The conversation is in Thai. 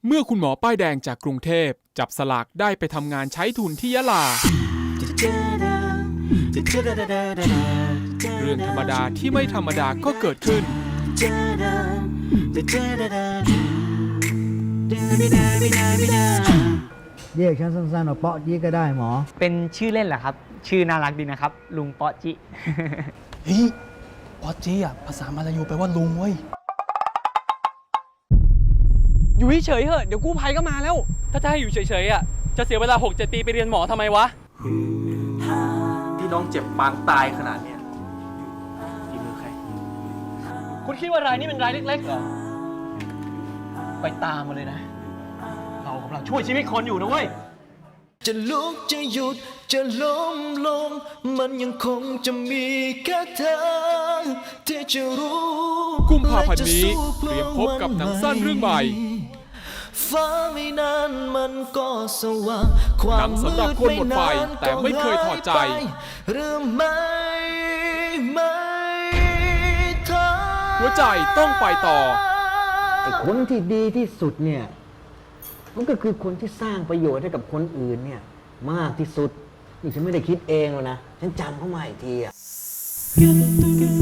เมื่อคุณหมอป้ายแดงจากกรุงเทพจับสลากได้ไปทำงานใช้ทุนที่ยะลาเรื่องธรรมดาที่ไม่ธรรมดาก็เกิดขึ้นเรียกฉันสั้นๆว่าเปาะจี้ก็ได้หมอเป็นชื่อเล่นเหรอครับชื่อน่ารักดีนะครับลุงเปาะจิเฮ้ยปอจี้อ่ะภาษามาลายูแปลว่าลุงเว้ยอยู่เฉยๆเหอะเดี๋ยวกู้ภัยก็มาแล้ว ถ้าจะให้อยู่เฉยๆอ่ะจะเสียเวลา 6-7 ปีไปเรียนหมอทำไมวะที่น้องเจ็บปางตายขนาดเนี้ยฝีมือใครคุณคิดว่ารายนี้เป็นรายเล็กๆเหรอไปตามมาเลยนะ เรากำลังช่วยชีวิตคนอยู่นะเว้ยจะลุกจะหยุดจะล้มลงมันยังคงจะมีแค่เธอที่จะรู้กุมภาพันธ์นี้เตรียมพบกับหนังสั้นเรื่องใหม่ฟ้าไม่นานมันก็สว่างความหนังสำหรับคนหมดไฟแต่ไม่เคยถอดใจหรือไม่เธอหัวใจต้องไปต่อไอ้คนที่ดีที่สุดเนี่ยมันก็คือคนที่สร้างประโยชน์ให้กับคนอื่นเนี่ยมากที่สุดนี่ฉันไม่ได้คิดเองหรอกนะฉันจำเข้ามาอีกทีอะ